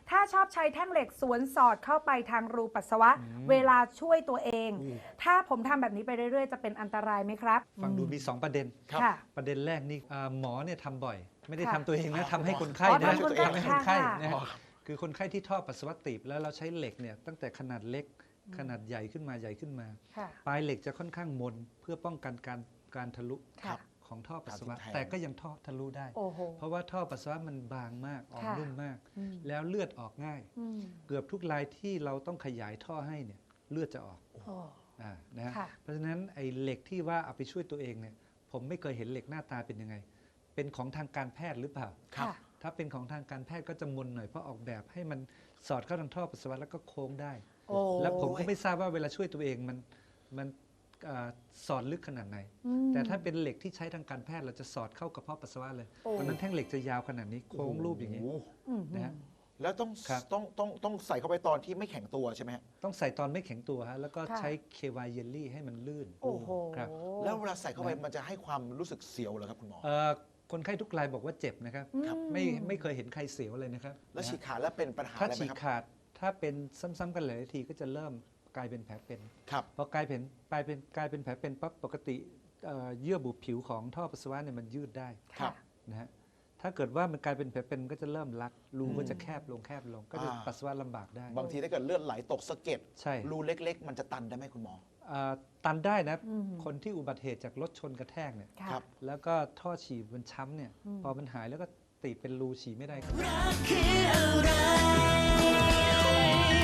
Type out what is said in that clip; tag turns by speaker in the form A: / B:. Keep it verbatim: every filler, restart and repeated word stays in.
A: ถ้าชอบใช้แท่งเหล็กสวนสอดเข้าไปทางรูปัสสาวะเวลาช่วยตัวเอง ถ้าผมทำแบบนี้ไปเรื่อยๆจะเป็นอันตรายไหมครับ
B: ฟังดูมีสองประเด็น
A: ค่ะ
B: ประเด็นแรกนี่อ่าหมอเนี่ยทำบ่อย ไม่ได้
A: ค่ะ
B: ทำตัวเองนะทำให้คนไข้
A: อ๋อ
B: นะ
A: ทำคนไข้
B: ทำให้คนไข้
A: ค่ะ
B: นะฮะคือคนไข้ที่ท่อปัสสาวะตีบแล้วเราใช้เหล็กเนี่ยตั้งแต่ขนาดเล็กขนาดใหญ่ขึ้นมาใหญ่ขึ้นมา
A: ค่ะ
B: ปลายเหล็กจะค่อนข้างมนเพื่อป้องกันการการทะลุ
A: ค่ะ
B: ของท่อปัสสาวะ
C: การทิ่มแทง
B: แต่ก็ยังท่อทะลุได้
A: โอ้โห
B: เพราะว่าท่อปัสสาวะมันบางมากอ่อน
A: ค่ะ
B: นุ่มมาก
A: อืม
B: แล้วเลือดออกง่าย
A: อืม
B: เกือบทุกรายที่เราต้องขยายท่อให้เนี่ยเลือดจะออก
A: โอ้
B: อ่านะฮะ
A: ค่ะ
B: เพราะฉะนั้นไอ้เหล็กที่ว่าเอาไปช่วยตัวเองเนี่ยผมไม่เคยเห็นเหล็กหน้าตาเป็นยังไง เป็นของทางการแพทย์หรือเปล่า
A: ค่ะ
B: ถ้าเป็นของทางการแพทย์ก็จะมนหน่อยเพราะออกแบบให้มันสอดเข้าทางท่อปัสสาวะแล้วก็โค้งได้
A: โอ้
B: แล้วผมก็ไม่ทราบว่าเวลาช่วยตัวเองมันมันอ่าสอดลึกขนาดไหน
A: อืม
B: แต่ถ้าเป็นเหล็กที่ใช้ทางการแพทย์เราจะสอดเข้ากระเพาะปัสสาวะเลย
A: โอ้
B: เพราะฉะนั้นแท่งเหล็กจะยาวขนาดนี้โค้งรูปอย่างนี้
C: โโห
A: อืม
B: นะฮะ
C: แล้วต้อง
B: ครับ
C: ต้องต้องต้องใส่เข้าไปตอนที่ไม่แข็งตัวใช่ไหมฮะ
B: ต้องใส่ตอนไม่แข็งตัวฮะแล้วก็
A: ค่ะ
B: ใช้เควายเยลลี่ให้มันลื่น
A: โอ้โห
B: ครับ
C: แล้วเวลาใส่เข้าไปมันจะให้ความรู้สึกเสียวเหรอครับคุณหมอ
B: เอ่อคนไข้ทุกรายบอกว่าเจ็บนะครับ
C: ครับ
B: ไม่ไม่เคยเห็นใครเสียวเลยนะครับ
C: แล้ว
B: นะฮะ
C: ฉีกขาดแล้วเป็นปัญหา
B: ถ้า
C: อะไรไหม
B: ฉีก
C: ครับ
B: ขาดถ้าเป็นซ้ำๆกันหลายทีก็จะเริ่มกลายเป็นแผลเป็น
C: ครับ
B: พอกลายเป็นกลายเป็นกลายเป็นแผลเป็นปั๊บปกติเอ่อเยื่อบุผิวของท่อปัสสาวะเนี่ยมันยืดได้
C: ครับ
B: นะฮะถ้าเกิดว่ามันกลายเป็นแผลเป็นก็จะเริ่มรัดรูก็จะแคบลงแคบลง ก็จะ
C: อ่า
B: ปัสสาวะลำบากได้
C: บางทีถ้าเกิดเลือดไหลตกสะเก็ด
B: ใช่
C: รูเล็ก ๆ มันจะตันได้ไหมคุณหมอ
B: อ่าตันได้นะ
A: อืม
B: คนที่อุบัติเหตุจากรถชนกระแทกเนี่ย
A: ค่ะ
C: ครับ
B: แล้วก็ท่อฉี่มันช้ำเนี่ย
A: อืม
B: พอมันหายแล้วก็ตีบเป็นรูฉี่ไม่ได้ครับ
D: รักคืออะไร